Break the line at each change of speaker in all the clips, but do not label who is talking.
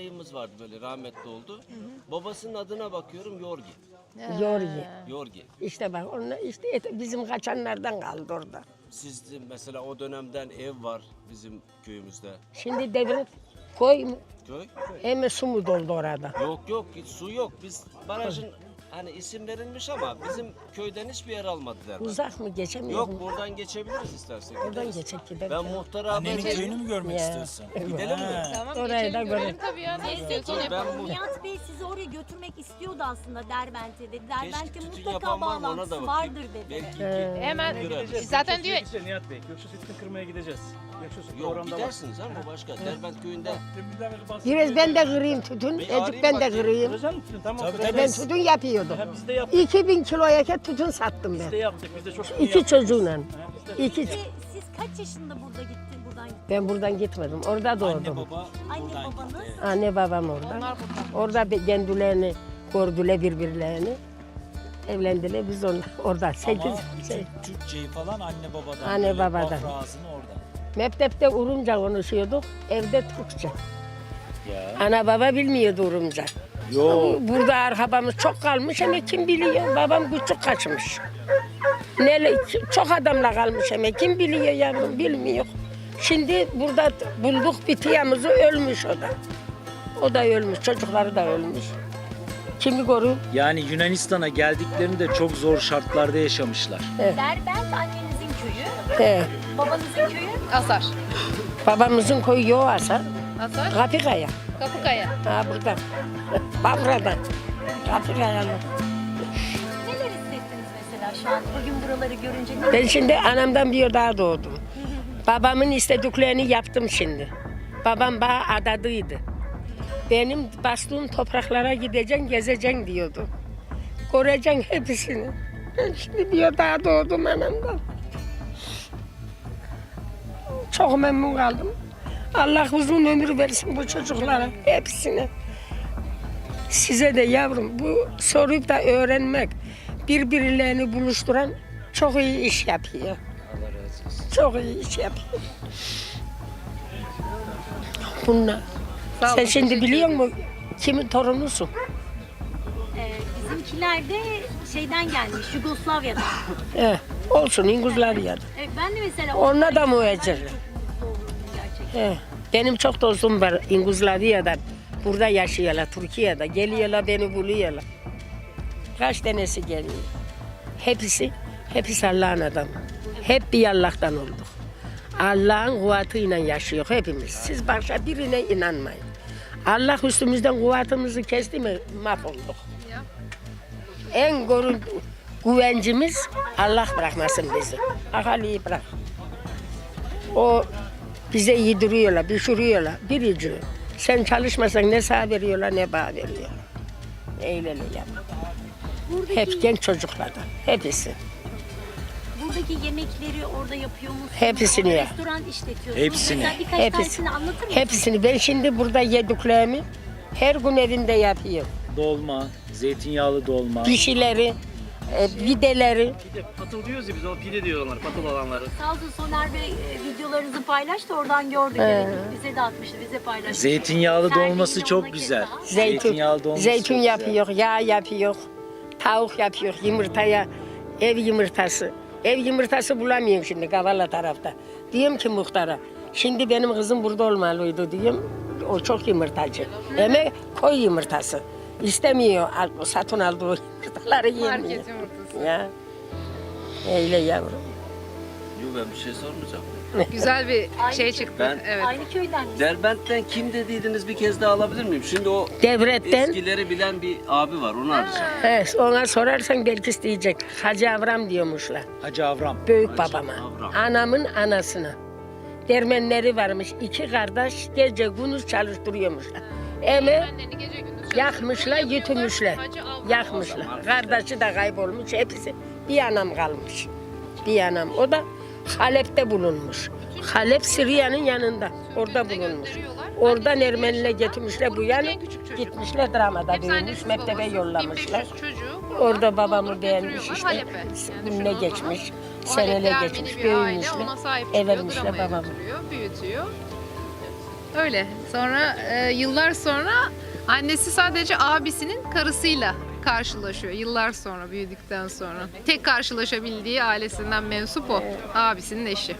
dayımız vardı böyle rahmetli oldu. Babasının adına bakıyorum Yorgi.
Yorgi.
Yorgi.
İşte bak onlar işte bizim kaçanlardan kaldı orada.
Sizde mesela o dönemden ev var bizim köyümüzde.
Şimdi devlet koy mu?
Köy?
Hem su mu doldu orada?
Yok yok hiç su yok. Biz barajın hani isim verilmiş ama bizim köyden hiçbir yer almadılar.
Uzak mı geçemiyor
Yok
mu?
buradan geçebiliriz istersek.
Buradan
gideriz.
geçecek gidelim.
Ben muhtara haber
Annenin
vereyim.
köyünü mü görmek
Ya.
istiyorsun?
Gidelim mi?
Tamam,
Orayı da
geçelim, görelim
görelim.
tabii ya. Nasıl istiyorsan
Ben
yapalım.
bu
Nihat Bey sizi oraya götürmek istiyordu aslında Derbent'e dedi. Derbent'te
tütün
mutlaka
yapan var mı ona
bağlantısı
da
vardır
bakayım.
dedi.
Belki
Hemen
Gideceğiz.
zaten diyor
Nihat Bey, Göksu Sütünü kırmaya gideceğiz. Göksu
yok
programda var.
gidersiniz ama başka. Derbent köyünde.
Biraz ben de kırayım tütün. Ecik ben de kırayım.
Kıracaksın mısın? Tamam.
Tabii,
kıracağız.
Ben tütün yapıyordum.
Ha, biz de yaptık.
2000 kiloya tütün sattım
Biz de
ben.
yaptık. Biz de çok
İki çocuğuyla.
Ha, biz de-
İki.
Siz kaç yaşında burada gitti, buradan gitti?
Ben buradan gitmedim. Orada
Anne
doğdum.
baba
Anne
buradan
babanız?
gitti.
Anne babam orada. Orada kendilerini gördüler birbirlerini. Evlendiler biz orada. 8
Ama bütün Türkçeyi falan anne babadan.
Anne
böyle
babadan.
Bafra ağzını orada.
mektepte Urumca konuşuyorduk. Evde Türkçe.
Ya.
Ana baba bilmiyordu Urumca.
Yok.
Burada arabamız çok kalmış ama kim biliyor? Babam küçük kaçmış. Çok adamla kalmış ama kim biliyor yavrum bilmiyor. Şimdi burada bulduk bitiyamızı ölmüş o da. O da ölmüş, çocukları da ölmüş. Kimi koruyor?
Yani Yunanistan'a geldiklerinde çok zor şartlarda yaşamışlar.
Derbent annenizin köyü,
He.
babanızın köyü.
Asar.
Babamızın koyu Yoğasa,
Asar.
Kapıkaya.
Kapıkaya.
Ha burada. Bafra'dan. Kapıkaya'lı.
Neler hissettiniz mesela şu an bugün buraları görünce? Ne?
Ben şimdi anamdan bir daha doğdum. Babamın istediklerini yaptım şimdi. Babam bana adadıydı. Benim bastığım topraklara gideceksin, gezeceksin diyordu. Göreceksin hepsini. Ben şimdi bir daha doğdum anamdan. Çok memnun kaldım. Allah uzun ömür versin bu çocuklara, hepsine. Size de yavrum bu sorup da öğrenmek, birbirlerini buluşturan çok iyi iş yapıyor.
Allah razı olsun.
Çok iyi iş yapıyor. Bunlar.
Sağ olun,
Sen şimdi
teşekkür
biliyor
ederiz.
musun kimin torunusun?
Bizimkiler de şeyden gelmiş, Yugoslavya'dan.
Olsun İngilizler.
Ben de mesela...
Onlar da muhacir.
Çok mutlu olurum gerçekten.
Benim çok dostum var İngilizler'den. Burada yaşıyorlar, Türkiye'de. Geliyorlar beni buluyorlar. Kaç tanesi geliyor. Hepsi Allah'ın adamı. Hep bir Allah'tan olduk. Allah'ın kuvvetiyle yaşıyor hepimiz. Siz başka birine inanmayın. Allah üstümüzden kuvvetimizi kesti mi mahvolduk. En güvencimiz Allah bırakmasın bizi. Ahaliyi bırak. O bize yediriyorlar, pişiriyorlar. Birici. Sen çalışmasan ne sağ veriyorlar ne bağ veriyorlar. Eyle yap. Hep genç çocuklardan. Hepsi.
Buradaki yemekleri orada yapıyor musunuz?
Hepsini
Orada
ya.
restoran işletiyorsunuz.
Hepsini.
Mesela birkaç
Hepsi.
tanesini anlatır mısınız?
Hepsini. Ben şimdi burada yediklerimi her gün evimde yapıyorum.
Dolma, zeytinyağlı dolma.
Pişileri, videleri.
Pide, patıl diyoruz ya biz, o pide diyorlar patıl olanları.
Sağ olsun Soner Bey videolarınızı paylaştı, oradan gördük. Evet, bize de atmıştı, bize paylaştı.
Zeytinyağlı
Sergiyi
dolması
ona
çok
keza.
güzel.
Zeytun,
dolması
zeytun
çok güzel.
yapıyor, yağ yapıyor, tavuk yapıyor, yumurtaya ev yumurtası. Ev yumurtası bulamıyorum şimdi Kavala tarafta. Diyorum ki muhtara, şimdi benim kızım burada olmalıydı diyorum. O çok yumurtacı. Ama koy yumurtası. İstemiyor, satın aldığı yumurtaları yemiyor.
Market yumurtası.
Ya. Öyle yavrum.
Yok ben bir şey sormayacağım.
Güzel bir şey çıktı.
Ben-
Evet.
Aynı köyden mi?
Derbent'ten kim dediydiniz bir kez daha alabilir miyim? Şimdi o
Devletten,
eskileri bilen bir abi var onu arayacağım.
ona sorarsan belki isteyecek. Hacı Avram diyormuşlar.
Hacı Avram.
Büyük babama.
Avram.
Anamın anasına. Dermenleri varmış. 2 kardeş gece gündüz çalıştırıyormuşlar. Ama
Anneni gece gündüz
yakmışlar,
çalıştırıyor,
götürmüşler.
Hacı Avram.
Yakmışlar. Kardeşi de kaybolmuş. Hepsi. Bir anam kalmış. Bir anam. O da Halep'te bulunmuş. Halep Suriye'nin yanında. Orada
Birbirine
bulunmuş.
gösteriyorlar.
Oradan
Annesi
Ermeni'yle getirmişler bu
grubun
yana.
en küçük çocuğu.
Gitmişler dramada
Hepsi
büyümüş.
annesiz
Mektebe
babası.
yollamışlar.
1500 çocuğu
Orada babamı
doldurup
beğenmiş
götürüyorlar
işte.
Halep'e. Yani
Gününe
düşünün o
geçmiş.
zaman. O
Seneler
Halep'te
geçmiş.
Ermeni bir aile
Büyümüşler.
ona sahip
Ev
çıkıyor,
vermişler
dramaya
babamı.
götürüyor, büyütüyor. Öyle. Sonra yıllar sonra annesi sadece abisinin karısıyla karşılaşıyor. Yıllar sonra, büyüdükten sonra. Tek karşılaşabildiği ailesinden mensup o. Abisinin eşi.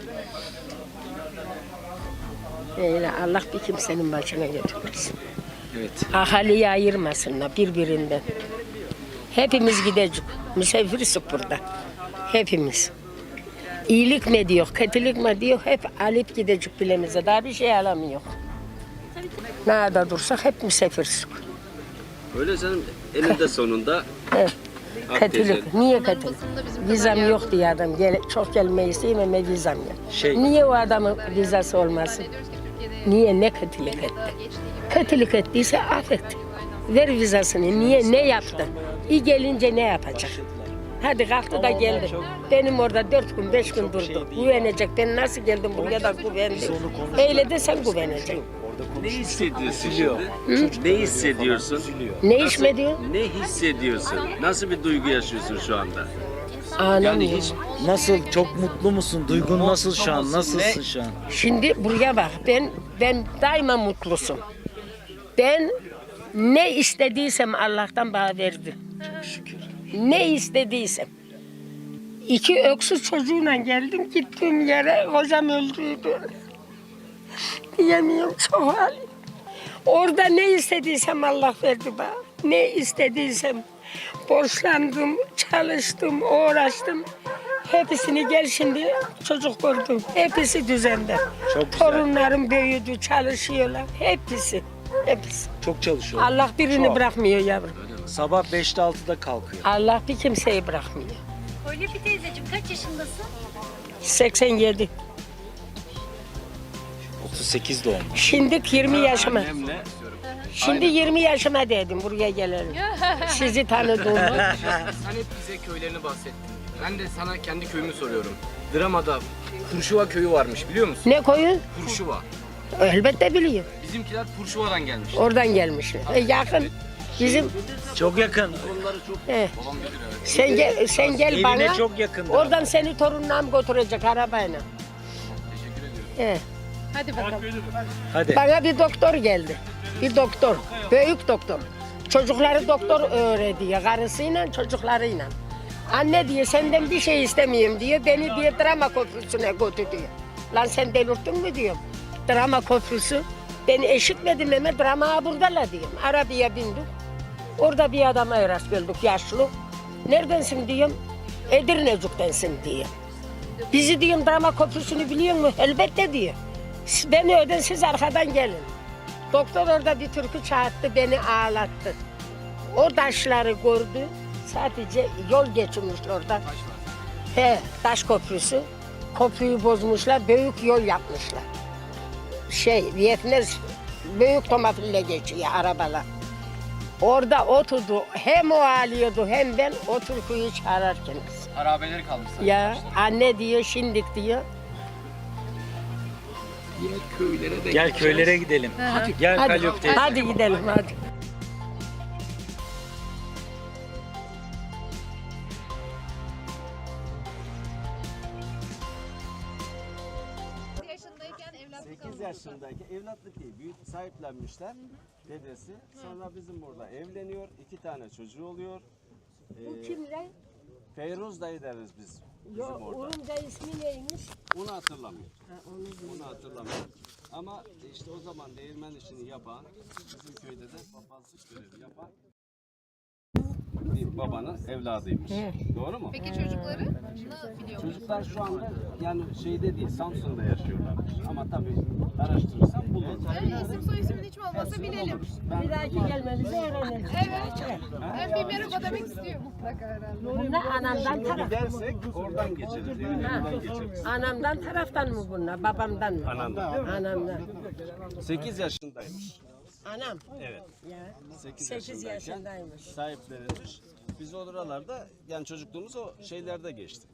Öyle Allah bir kimsenin başına götürmesin.
Evet.
Ahaliyi ayırmasınlar birbirinden. Hepimiz gidecek. Misafiriz burada. Hepimiz. İyilik mi diyor, kötülük mü diyor, hep alıp gidecek bilemize. Daha bir şey alamıyor. Nerede dursak hep misafiriz.
Öyle canım eninde sonunda
Evet.
Akdeniz.
Kötülük. Niye
Onların
kötülük?
basında bizim kadar
Vizam
yer
yok diye adam. Çok gelmeyi isteyeyim ama vizam yok.
Şey-
Niye o adamın vizası olmasın?
diyoruz ki Türkiye'de
Niye ne kötülük etti?
geçtiği gibi
Kötülük ettiyse affet. Ver vizasını. Niye ne yaptı? İyi gelince ne yapacak? Hadi kalktı da geldi. Benim orada 4 gün 5 gün durdu. Güvenecek. Ben nasıl geldim buraya da güvendim. Öyle de sen güveneceksin.
Ne hissediyorsun şimdi? Ne hissediyorsun?
Ne iş mi diyor?
Ne hissediyorsun? Nasıl bir duygu yaşıyorsun şu anda?
Anam
Yani
yok.
hiç
Nasıl? Çok mutlu musun? Duygun nasıl şu an? Nasılsın şu an?
Şimdi buraya bak. Ben daima mutlusum. Ben ne istediysem Allah'tan bana verdi. Çok şükür. Ne istediysem. 2 öksüz çocuğuyla geldim gittiğim yere hocam öldüydü. Diyemiyorum çok halim. Orada ne istediysem Allah verdi bana. Ne istediysem borçlandım, çalıştım, uğraştım. Hepsini gel şimdi çocuk gördüm. Hepsi düzende.
Çok güzel.
Torunlarım büyüdü, çalışıyorlar. Hepsi. Hepsi.
Çok çalışıyor.
Allah birini
Çok.
bırakmıyor yavrum.
Sabah 5'te 6'da kalkıyor.
Allah bir kimseyi bırakmıyor.
Kolyepi teyzeciğim kaç yaşındasın?
87.
38 doğumlu.
Şimdi 20 yaşıma.
Annemle
Şimdi 20 yaşıma dedim buraya gelelim. Sizi tanıdım.
Sen hep bize köylerini bahsettin. Ben de sana kendi köyümü soruyorum. Drama'da Purşuva köyü varmış biliyor musun?
Ne koyun?
Purşuva.
Elbette biliyor.
Bizimkiler Purşuva'dan gelmiş.
Oradan gelmişler. Yakın. Bizim
Çok yakın.
he. Sen gel
Evine
bana.
çok yakındır.
Oradan seni torunlarım götürecek arabayla. He.
Hadi bakalım.
Hadi.
Bana bir doktor geldi. Bir doktor. Büyük doktor. Çocukları doktor öğretiyor. Karısıyla çocuklarıyla. Anne diyor senden bir şey istemiyorum diyor. Beni diyor drama köprüsüne götür diyor. Lan sen delirttin mi diyorum. Drama köprüsü. Beni eşitmedim ama drama buradalar diyorum. Arabaya bindik. Orada bir adama rast geldik yaşlı. Neredensin diyorum. Edirnecik'tensin diyor. Bizi diyorum drama köprüsünü biliyor musun? Elbette diyor. Beni öden siz arkadan gelin. Doktor orada bir türkü çağırdı, beni ağlattı. O taşları gördü, sadece yol geçirmişler orada. He, taş köprüsü. Köprüyü bozmuşlar, büyük yol yapmışlar. Vietnam büyük tomafille geçiyor arabalar. Orada oturdu, hem o ağlıyordu hem ben o türküyü çağırırken.
Harabeleri kalmış sadece.
Ya anne diyor, şimdik diyor.
Yine köylere de
Gel köylere gidelim. Gel
Hadi,
Kalyok teyze.
hadi gidelim hadi.
Yaşındayken evlatlık
8 yaşındaki evlatlık değil, büyük sahiplenmişler dedesi. Sonra bizim burada evleniyor, 2 tane çocuğu oluyor.
Bu kimle?
Feyruz dayı deriz biz bizim
Yok,
orada.
onun da ismi neymiş?
Onu hatırlamıyor. Onu hatırlamıyor. Ama işte o zaman değirmen işini yapan, bizim köyde de papazlık görevi yapan bir babanın evladıymış. Doğru mu?
Peki çocukları ne biliyor musun?
Çocuklar şu anda yani şeyde değil, Samsun'da yaşıyorlarmış. Ama tabii araştırırsam bulurum.
İsim soy ismin hiç mi olmasa bilelim.
Bir dahaki gelmenizi öğrenelim.
Evet. Ben bir merhaba demek istiyorum mutlaka herhalde.
Bunlar anamdan taraf.
Gidersek oradan geçeriz. Yani oradan geçeriz.
Anamdan taraftan mı bunlar, babamdan mı?
Anamdan.
Anamdan.
8 yaşındaymış.
Anam.
Evet.
Ya.
8
8
yaşındayken
yaşındaymış.
sahiplenilmiş. Biz oralarda yani çocukluğumuz o şeylerde geçti.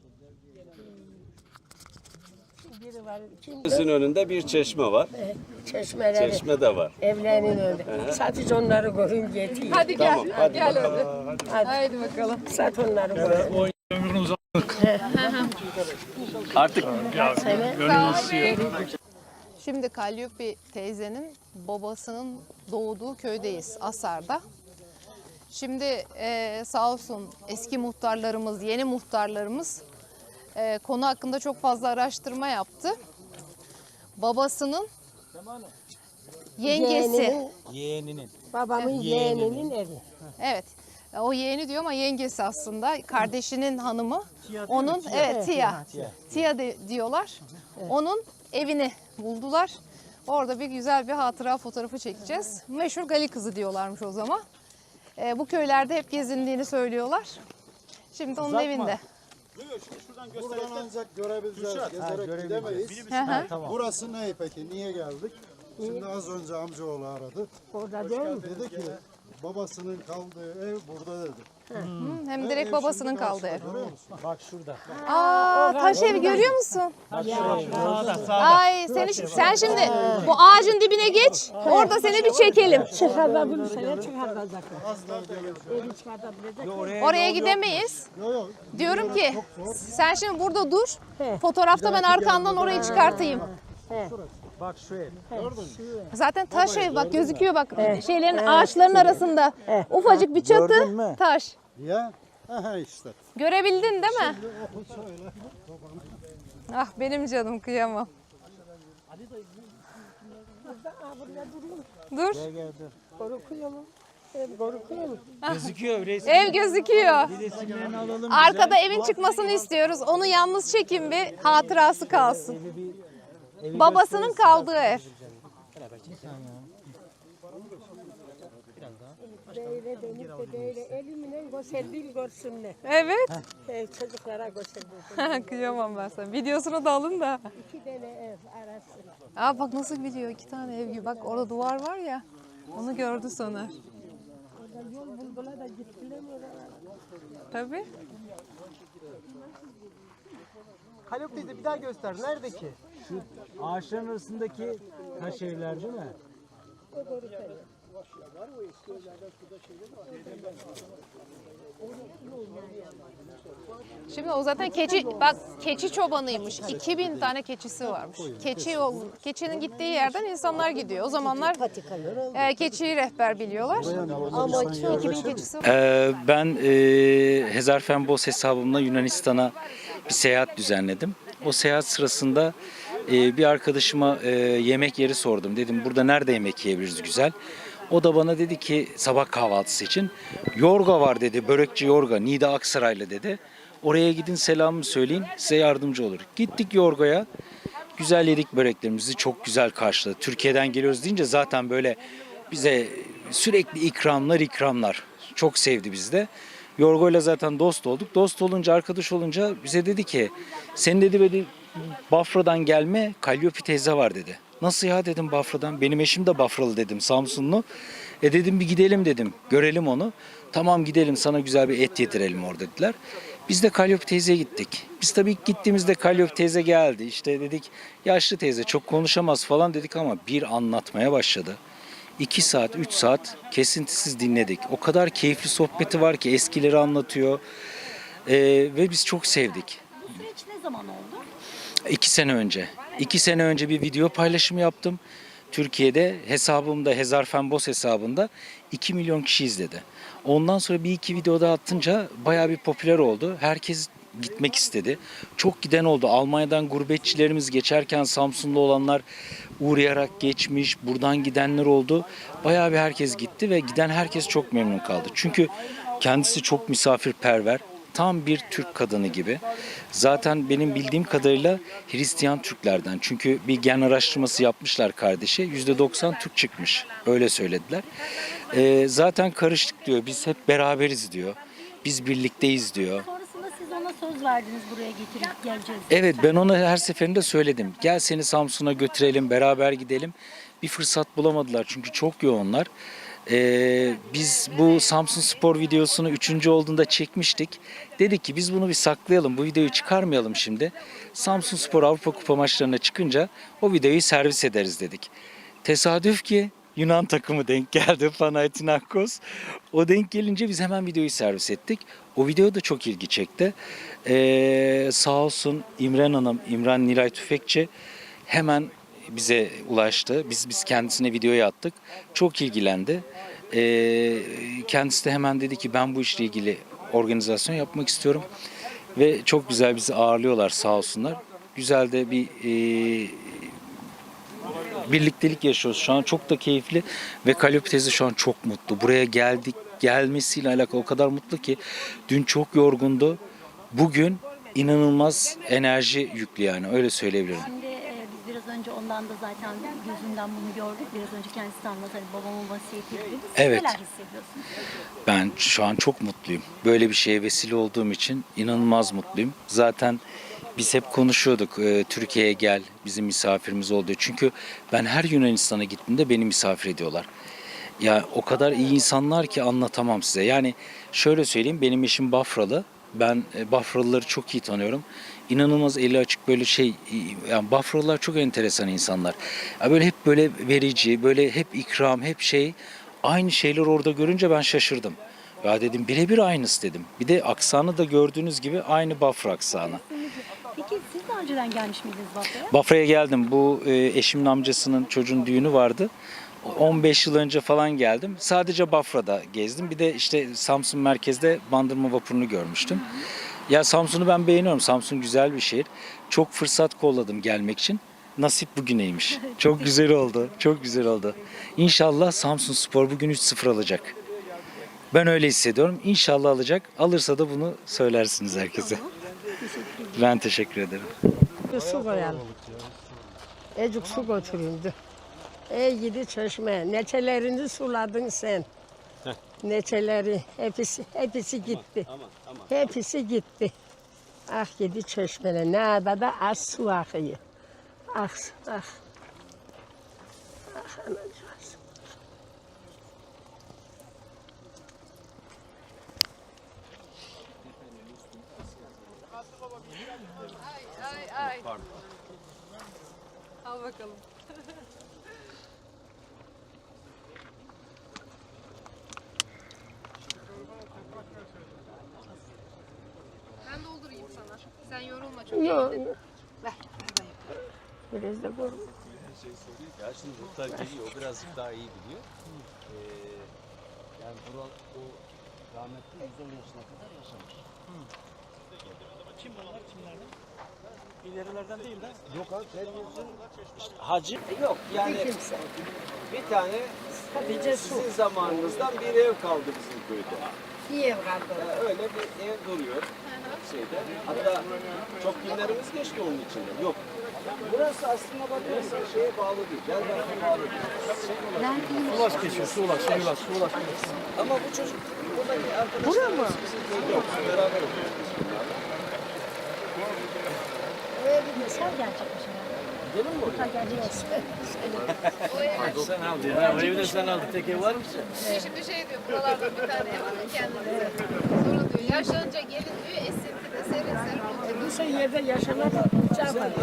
Biri var. Kim?
Bizim önünde bir çeşme var.
Çeşmeleri.
Çeşme de var.
Evlerinin önünde. Sadece onları görün yetiyor.
Hadi gel.
Tamam, hadi
Gel
bakalım.
öyle.
Hadi.
Haydi bakalım.
Sat onları görün.
Artık
Şimdi Calliope teyzenin babasının doğduğu köydeyiz, Asar'da. Şimdi sağ olsun eski muhtarlarımız, yeni muhtarlarımız konu hakkında çok fazla araştırma yaptı. Babasının yengesi,
Yeğeninin.
Babamın yeğeninin evi.
evet, o yeğeni diyor ama yengesi aslında, kardeşinin hanımı. Onun, evet, Tia diyorlar. Onun evini buldular. Orada güzel bir hatıra fotoğrafı çekeceğiz. Meşhur Gali kızı diyorlarmış o zaman. Bu köylerde hep gezindiğini söylüyorlar. Şimdi onun evinde.
Buradan ancak görebileceğiz, gezerek gidemeyiz.
Hı hı.
Tamam.
Burası ne peki? Niye geldik? Şimdi az önce amcaoğlu aradı.
Orada değil mi?
Dedi ki babasının kaldığı ev burada dedi.
Hem direkt babasının kaldığı ev.
Görüyor musun?
Bak şurada.
Aa, taş ev görüyor musun?
Sağda.
Ay sen şimdi bu ağacın dibine geç. Orada seni bir çekelim.
Çıkartabilirsen çıkartacak. Evi çıkartabilecek.
Oraya gidemeyiz.
Yok yok.
Diyorum ki sen şimdi burada dur. Fotoğrafta ben arkandan orayı çıkartayım.
Bak şu ev.
Zaten taş ev bak gözüküyor bak şeylerin ağaçların arasında. Ufacık bir çatı
Gördün mü?
taş.
Ya. Aha işte.
Görebildin değil mi? Ah benim canım kıyamam. Dur.
Korkuyor mu? Korkuyor mu?
Gözüküyor resim.
Ev gözüküyor.
Resimlerini alalım.
Arkada evin çıkmasını istiyoruz. Onu yalnız çekin bir hatırası kalsın. Babasının kaldığı ev.
Böyle dönüp de böyle elimle gösterdiğim görsünler.
Evet.
Çocuklara gösterdiğim.
Kıyamam ben sana. Videosunu da alın da.
2 tane ev arası.
Aa bak nasıl biliyor 2 tane ev gibi. Bak orada duvar var ya. Onu gördü Soner.
Orada yol buldular da gittiler mi oralara?
Tabii.
Haluk teyze bir daha göster. Nerede ki?
Şu ağaçların arasındaki taş evler değil mi?
Şimdi o zaten keçi çobanıymış. 2000 tane keçisi varmış. Keçinin gittiği yerden insanlar gidiyor. O zamanlar keçiyi rehber biliyorlar. Ama 2000 keçisi var.
Ben Hezarfen hesabımla Yunanistan'a bir seyahat düzenledim. O seyahat sırasında bir arkadaşıma yemek yeri sordum. Dedim burada nerede yemek yiyebiliriz güzel. O da bana dedi ki sabah kahvaltısı için Yorga var dedi. Börekçi Yorga. Nida Aksaraylı dedi. Oraya gidin selamımı söyleyin size yardımcı olur. Gittik Yorga'ya. Güzel yedik böreklerimizi. Çok güzel karşıladı. Türkiye'den geliyoruz deyince zaten böyle bize sürekli ikramlar. Çok sevdi bizi de. Yorgo'yla zaten dost olduk. Dost olunca, arkadaş olunca bize dedi ki senin dedi Bafra'dan gelme Calliope teyze var dedi. Nasıl ya dedim Bafra'dan. Benim eşim de Bafralı dedim Samsunlu. Dedim bir gidelim dedim. Görelim onu. Tamam gidelim sana güzel bir et yedirelim orada dediler. Biz de Calliope teyzeye gittik. Biz tabii ilk gittiğimizde Calliope teyze geldi. İşte dedik yaşlı teyze çok konuşamaz falan dedik ama bir anlatmaya başladı. 2 saat, 3 saat kesintisiz dinledik. O kadar keyifli sohbeti var ki eskileri anlatıyor. Ve biz çok sevdik.
Bu süreç ne zaman oldu?
2 sene önce. 2 sene önce bir video paylaşımı yaptım. Türkiye'de hesabımda Hezarfen hesabında 2 milyon kişi izledi. Ondan sonra bir iki video daha atınca bayağı bir popüler oldu. Herkes gitmek istedi. Çok giden oldu. Almanya'dan gurbetçilerimiz geçerken Samsunlu olanlar uğrayarak geçmiş. Buradan gidenler oldu. Bayağı bir herkes gitti ve giden herkes çok memnun kaldı. Çünkü kendisi çok misafirperver. Tam bir Türk kadını gibi. Zaten benim bildiğim kadarıyla Hristiyan Türklerden. Çünkü bir gen araştırması yapmışlar kardeşi. %90 Türk çıkmış. Öyle söylediler. Zaten karıştık diyor. Biz hep beraberiz diyor. Biz birlikteyiz diyor.
Sonrasında siz ona söz verdiniz buraya getirip geleceğiz.
Evet ben ona her seferinde söyledim. Gel seni Samsun'a götürelim, beraber gidelim. Bir fırsat bulamadılar çünkü çok yoğunlar. Biz bu Samsun Spor videosunu 3. olduğunda çekmiştik. Dedik ki biz bunu bir saklayalım, bu videoyu çıkarmayalım şimdi. Samsun Spor Avrupa Kupa maçlarına çıkınca o videoyu servis ederiz dedik. Tesadüf ki Yunan takımı denk geldi, Panathinaikos. O denk gelince biz hemen videoyu servis ettik. O video da çok ilgi çekti. Sağ olsun İmran Hanım, İmran Nilay Tüfekçi hemen bize ulaştı. Biz kendisine videoya attık. Çok ilgilendi. Kendisi de hemen dedi ki ben bu işle ilgili organizasyon yapmak istiyorum. Ve çok güzel bizi ağırlıyorlar sağ olsunlar. Güzel de bir birliktelik yaşıyoruz. Şu an çok da keyifli ve Kaliopi teyze şu an çok mutlu. Buraya gelmesiyle alakalı o kadar mutlu ki dün çok yorgundu. Bugün inanılmaz enerji yüklü yani öyle söyleyebilirim.
Şimdi biz biraz önce ondan da zaten gözünden bunu gördük. Biraz önce kendisi de anlattı. Hani babamın vasiyeti dedi. Siz
Evet.
neler hissediyorsunuz?
Ben şu an çok mutluyum. Böyle bir şeye vesile olduğum için inanılmaz mutluyum. Zaten biz hep konuşuyorduk Türkiye'ye gel bizim misafirimiz oldu. Çünkü ben her Yunanistan'a gittiğimde beni misafir ediyorlar. Ya o kadar iyi insanlar ki anlatamam size. Yani şöyle söyleyeyim benim eşim Bafralı. Ben Bafralıları çok iyi tanıyorum. İnanılmaz eli açık böyle yani Bafralılar çok enteresan insanlar. Ya böyle hep böyle verici, böyle hep ikram, hep aynı şeyler orada görünce ben şaşırdım. Ya dedim birebir aynısı dedim. Bir de aksanı da gördüğünüz gibi aynı Bafra aksanı.
Peki siz daha önceden gelmiş miydiniz Bafra'ya?
Bafra'ya geldim. Bu eşimin amcasının çocuğun düğünü vardı. 15 yıl önce falan geldim. Sadece Bafra'da gezdim. Bir de işte Samsun merkezde Bandırma vapurunu görmüştüm. Ya Samsun'u ben beğeniyorum. Samsun güzel bir şehir. Çok fırsat kolladım gelmek için. Nasip bugüneymiş. Çok güzel oldu. Çok güzel oldu. İnşallah Samsunspor bugün 3-0 alacak. Ben öyle hissediyorum. İnşallah alacak. Alırsa da bunu söylersiniz herkese. Ben teşekkür ederim.
Su koyalım. Ecik su götürüldü. Ey gidi çeşme, neçelerini suladın sen. Neçeleri, hepsi gitti. Hepsi gitti. Ah gidi çeşmene, ne da az su akıyor. Ah, ah. Ah anacığız.
Ay. Al bakalım. Ben doldurayım sana. Sen yorulma çok.
Yok, yok. Ver. Biraz da koy.
Ya şimdi muhtar geliyor, o birazcık daha iyi biliyor. Yani o rahmetli 110 yaşına kadar yaşamış.
Kim bunlar? Kimlerden? İlerilerden değil de.
Yok abi, Feryoz'un işte hacı yok yani bir tane sizin zamanınızdan bir ev kaldı bizim köyde.
İyi ev kaldı.
Öyle bir ev duruyor şeyde. Hatta çok günlerimiz geçti onun içinde. Yok. Burası aslında bakıyorsan şeye bağlı değil. Gelbek'e bağlı değil.
Ulaş geçiyor. Su ulaş.
Ama bu çocuk buradaki arkadaşlarımız bizim köyde yok. Beraber okuyoruz.
Sen gerçekmiş herhalde.
Gidelim mi oraya?
Sen aldın ya. O evi de sen aldın. Tek ev var mı?
Şimdi diyor buralarda bir tane ev alın kendinize. Sonra diyor yaşlanınca gelin diyor esintide serin oturun.
Bu yerde yaşamak uçağı var.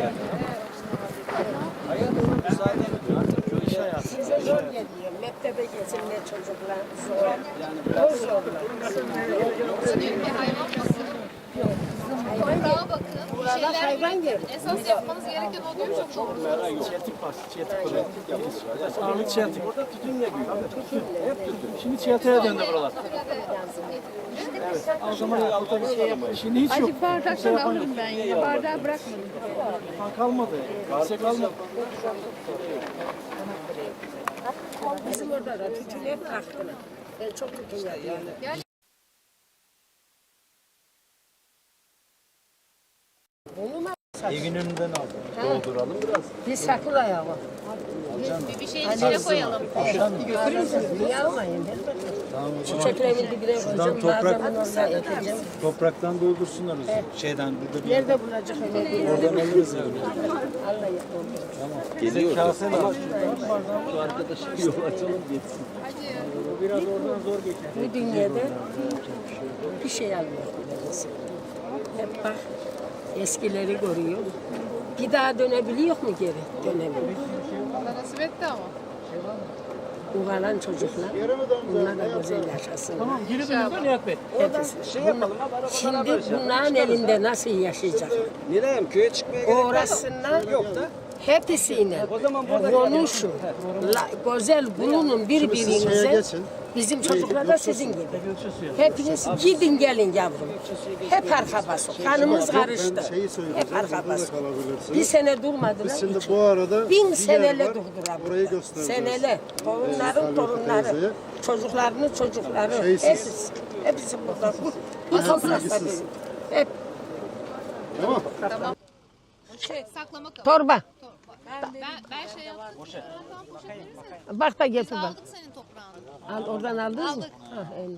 Hayat ona müsaade etmiyor. Artık köyde hayatı.
Size zor geliyor. Mektebe getirmeye çocuklar zor. Zor zorlar.
Diyor ki hayvan bakın. Toprağa bakın. Bir şeyler
hayvan gelir.
esas yapmanız gereken o diyor çok doğru.
Çeltik var. Çeltik var. Ağırlık çeltik.
Burada tütünle büyüyor. Hep tütün.
Şimdi çeltiğe döndü buralar. O zaman şimdi hiç yok.
Azıcık bardaktan alırım ben yine. Bardağı bırakmadım.
Kalmadı. Kimse kalmadı.
Bizim orada da tütün hep aktılar. Ben çok tütün yapıyorum. Bunu mu?
Evin önünden aldım. Dolduralım biraz.
Bir sakın ayağı var.
Bir şeyin içine koyalım.
Niye almayın? Çiçeklerin dibine koyacağım. Bazen orada ekeceğim.
Topraktan doldursunlar o zaman. Şeyden burada bir
Nerede bulacak öyle?
oradan alırız yani.
Allah yapalım.
Geliyor.
Kase var.
Şu arkadaşı yol açalım geçsin.
Biraz oradan zor geçer.
Bu dünyada bir şey almıyor. Hep bak eskileri görüyor. Bir daha dönebiliyor mu geri? Dönemiyor.
Allah nasip etti ama.
Uğranan çocuklar, bunlar da güzel yaşasın.
Tamam geri dönüyorlar Nihat Bey.
Hepsi.
Şey yapalım ha. Bana
Şimdi bunların elinde nasıl yaşayacak?
Nilay'ım köye çıkmaya gerek var mı?
Uğraşsınlar.
Yok da
Hepsiyle
O zaman burada
konuşun. Güzel bulunun birbirinize.
geçin.
Bizim çocuklar da sizin gibi. Hepiniz gidin gelin yavrum. Hep arka basın. Kanımız karıştı.
Ben şeyi söyleyeceğim.
Hep arka
Burada da
basın.
kalabilirsiniz.
Bir sene durmadılar.
Biz şimdi bu arada
Bin
bir
senele
yer var.
durdular.
Orayı göstereceğiz.
Senele. Torunların
Salih
torunları.
teyzeye.
Çocuklarının çocukları.
Şeysiz.
Hepsi burada. Bu toprakta
bilgisiz.
benim. Hep
Tamam.
Saklama kabı.
torba.
Ben şey yaptım. Poşet verirsen.
Bak da getir bak.
Aldık senin toprağını.
Al oradan aldınız mı?
Aldık.
Ha, eyvallah.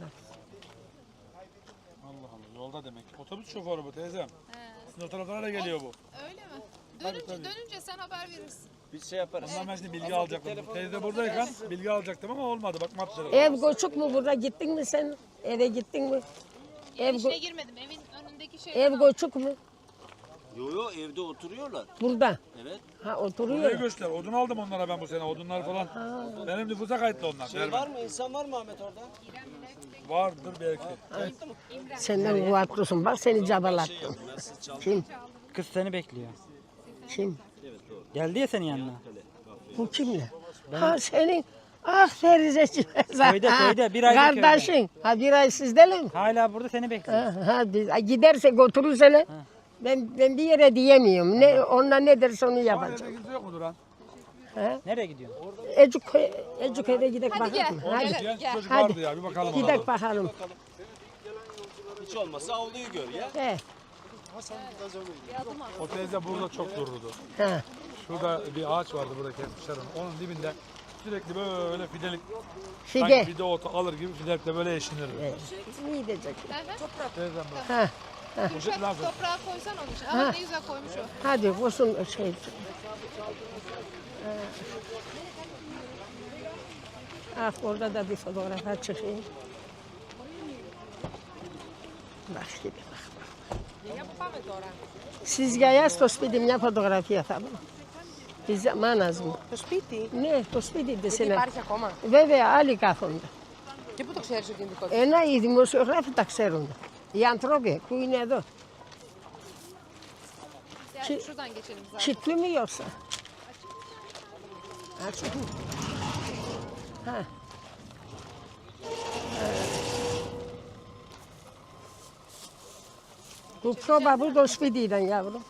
Allah Allah yolda demek. Otobüs şoförü bu teyzem. Sizin o taraflara da geliyor bu.
Öyle mi? Dönünce sen haber verirsin.
biz şey yaparız.
Ondan ben şimdi bilgi alacaktım. Teyze buradayken bilgi alacaktım ama olmadı. Bak mapları.
Ev koçuk mu burada? Gittin mi sen? Eve gittin mi? Ev,
İçine girmedim. Evin önündeki şey.
ev koçuk mu?
Yo evde oturuyorlar.
Burada.
Evet.
Ha
Burayı
oturuyor.
göster. Odun aldım onlara ben bu sene. Odunlar falan. Benim nüfusa kayıtlı onlar.
Şey var mı? İnsan var mı Ahmet orada?
Vardır belki.
Senden kuvvetlüsün. Bak seni cabalattım. Kim?
Kız seni bekliyor.
Kim?
Geldi ya senin yanına.
Bu kimle? Ha senin. Ah Ferizeciğim.
Köyde, bir aydır
Kardeşin. Ha bir ay sizdeler mi?
Hala burada seni bekliyor.
Ha, giderse götürürse ben bir yere diyemiyorum. Ne onlar ne derse onu yapacağım.
Kimse yok mu Duran?
Nereye gidiyorsun?
Ecuköy'de gidek bakalım. Hadi.
Genç çocuk
Hadi.
vardı ya. Bir bakalım ona.
Gidek bakalım.
Hiç olmazsa avluyu gör ya.
He.
O teyze burada çok dururdu.
Ha.
Şurada bir ağaç vardı burada kesmişler onu. Onun dibinde sürekli böyle fidelik.
Fide.
Sanki fide otu alır gibi fidelikle böyle eşinirdi.
İyi diyecek.
Teyzem bu.
Ha.
Poşet lazım.
Toprağa koysan onun için. Ama ne güzel koymuş o.
Hadi olsun şey. Ah orada da bir fotoğrafa çıkayım. Bak gibi bak. Siz gayas to σπίτι fotografia θα πω. Της μάνας μου.
Το σπίτι.
Ναι, το σπίτι της είναι.
Υπάρχει ακόμα.
Βέβαια, άλλοι κάθονται.
Και πού το ξέρεις ότι είναι δικό του.
Οι δημοσιογράφοι τα ξέρουν. Οι άνθρωποι που είναι εδώ.
Yani şuradan geçelim zaten.
Kilitli mi yoksa? Açık mı? Ha. Bu proba bu da σπίτι'den yavrum.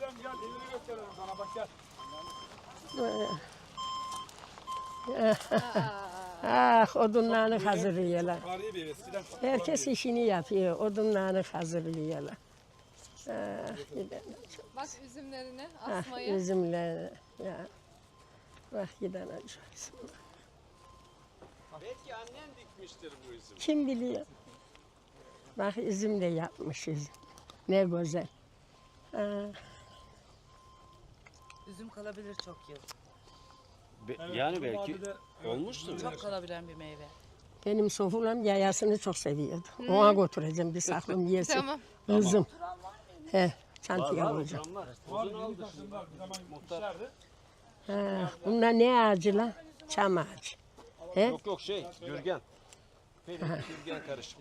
Ah odunlarını hazırlıyorlar.
Tarihi bir ev eskiden.
Herkes işini yapıyor. Odunlarını hazırlıyorlar. Ah, giden.
Bak üzümlerini
Ah,
asmayı.
üzümler. Ya. Bak giden acıyorsun.
Belki annen dikmiştir bu üzüm.
Kim biliyor? Bak üzüm de yapmış üzüm. Ne güzel. Ah,
Üzüm kalabilir çok yıl.
Yani belki olmuştur.
Çok kalabilen bir meyve.
benim sofulam yayasını çok seviyordu. Ona götüreceğim bir saklım yesin.
Tamam.
Kızım. He, çantaya koyacağım. Ha, bunlar ne ağacı lan? Çam ağacı. He?
Yok şey Gürgen. Gürgen karışık.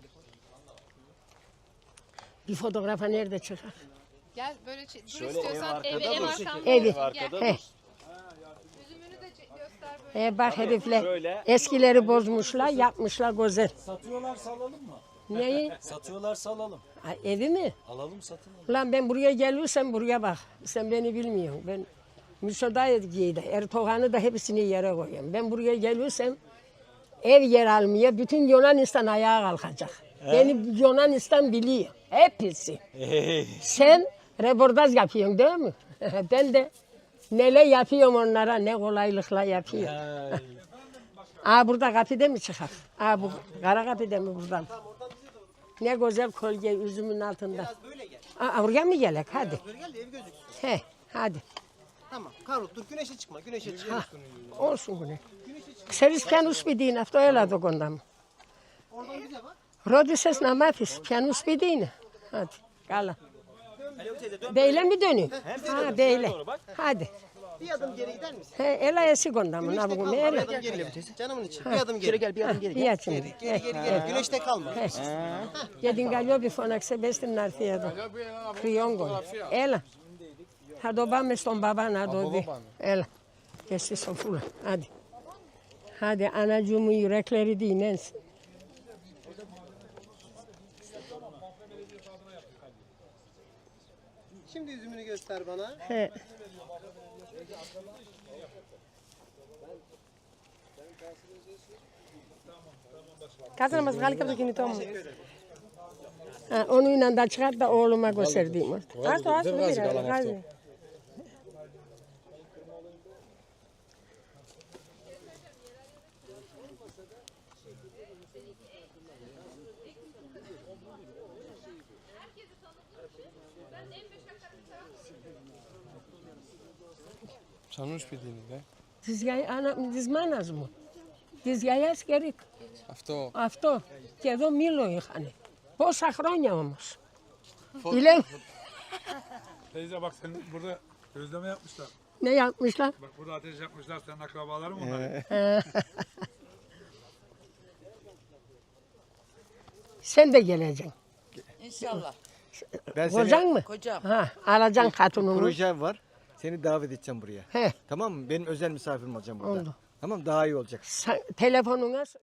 Bir fotoğrafa nerede çıkar?
Gel böyle dur
Şöyle
istiyorsan
ev
evi
arkada
ev
dursun.
arkamda.
Evi.
Ev arkada
He.
dursun.
Üzümünü de göster böyle.
Bak herifler
şöyle.
eskileri bozmuşlar, yapmışlar güzel.
Satıyorlar salalım mı?
Neyi?
Satıyorlar salalım.
Ha, evi mi?
Alalım satın.
Lan ben buraya geliyorsam buraya bak. Sen beni bilmiyorsun. Ben müsaade Erdoğan'ı da hepsini yere koyuyorum. Ben buraya geliyorsam ev yer almaya bütün Yunanistan ayağa kalkacak. Beni Yunanistan biliyor. Hepsi. Sen reportaj yapıyorsun değil mi? Ben de neler yapıyorum onlara, ne kolaylıkla yapıyorum. Aa burada kapıda mı çıkar? Aa bu kara kapıda mı buradan? Ne güzel kolye üzümün altında. Aa oraya mı gelek? Hadi. He, hadi.
Tamam. Karut dur güneşe çıkma. Güneşe çıkma.
Olsun bunu. Ξέρεις ποιανού σπίτι είναι αυτό, έλα εδώ κοντά μου. Ρώτησες να μάθεις ποιανού σπίτι είναι. Hadi, καλά. Beyle mi dönüyor? Ha beyle. Hadi.
Bir adım geri gider misin?
He, έλα εσύ kondá μου, να βγούμε.
Bir
Έλα.
adım geri. Canımın içi. Bir adım geri. Gel bir adım geri.
İyi şimdi.
Geri geri. Güneşte kalma.
Για την Καλλιόπη φώναξε, μπες στην να έρθει εδώ. Κρυόγκο. Έλα. Hadi babam babana doydu. El. Geçti sofura. Hadi. Hadi anacığımın yürekleri dinlensin.
Şimdi yüzümünü göster bana.
He.
Kazanamaz galik yapacak yine tamam.
Ha, onunla da çıkart da oğluma gösterdiğim orada.
Artı aslında bir gazi.
Çanmış bildiğiniz be.
Dizgay ana dizmanaz mı? Dizgay askerik.
Hafta
Afto. Kedo milo hani. Posa hronia olmuş. Bilen
Teyze bak senin burada gözleme yapmışlar.
ne yapmışlar?
Bak burada ateş yapmışlar. Senin akrabaların mı onlar?
Sen de geleceksin.
İnşallah.
Ben
Kocan mı?
Kocam.
Ha, alacaksın hatununu.
projem var. Seni davet edeceğim buraya.
He,
Tamam mı? Benim özel misafirim olacağım burada.
oldu.
Tamam daha iyi olacak.
Telefonuna